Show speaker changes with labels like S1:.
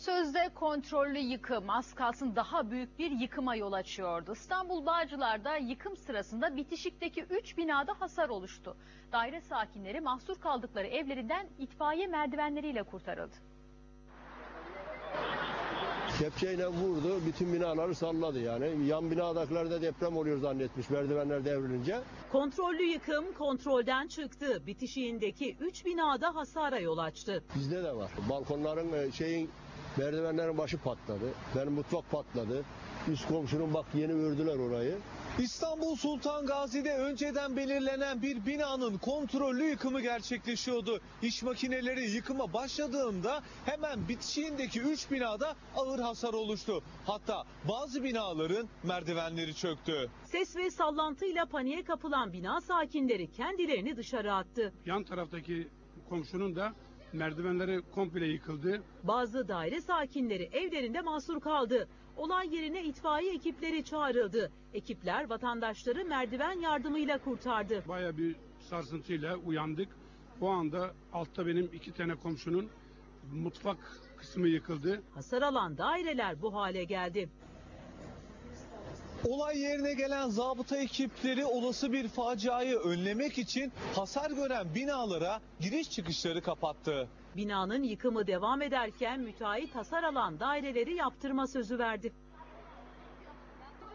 S1: Sözde kontrollü yıkım az kalsın daha büyük bir yıkıma yol açıyordu. İstanbul Bağcılar'da yıkım sırasında bitişikteki 3 binada hasar oluştu. Daire sakinleri mahsur kaldıkları evlerinden itfaiye merdivenleriyle kurtarıldı.
S2: Kepçeyle vurdu, bütün binaları salladı yani. Yan binadakiler deprem oluyor zannetmiş merdivenler devrilince.
S3: Kontrollü yıkım kontrolden çıktı. Bitişiğindeki 3 binada hasara yol açtı.
S2: Bizde de var. Balkonların merdivenlerin başı patladı. Benim mutfak patladı. Üst komşunun bak yeni ördüler orayı.
S4: İstanbul Sultan Gazi'de önceden belirlenen bir binanın kontrollü yıkımı gerçekleşiyordu. İş makineleri yıkıma başladığında hemen bitişiğindeki 3 binada ağır hasar oluştu. Hatta bazı binaların merdivenleri çöktü.
S3: Ses ve sallantıyla paniğe kapılan bina sakinleri kendilerini dışarı attı.
S5: Yan taraftaki komşunun da merdivenleri komple yıkıldı.
S3: Bazı daire sakinleri evlerinde mahsur kaldı. Olay yerine itfaiye ekipleri çağrıldı. Ekipler vatandaşları merdiven yardımıyla kurtardı.
S5: Bayağı bir sarsıntıyla uyandık. O anda altta benim 2 tane komşunun mutfak kısmı yıkıldı.
S3: Hasar alan daireler bu hale geldi.
S4: Olay yerine gelen zabıta ekipleri olası bir faciayı önlemek için hasar gören binalara giriş çıkışları kapattı.
S3: Binanın yıkımı devam ederken müteahhit hasar alan daireleri yaptırma sözü verdi.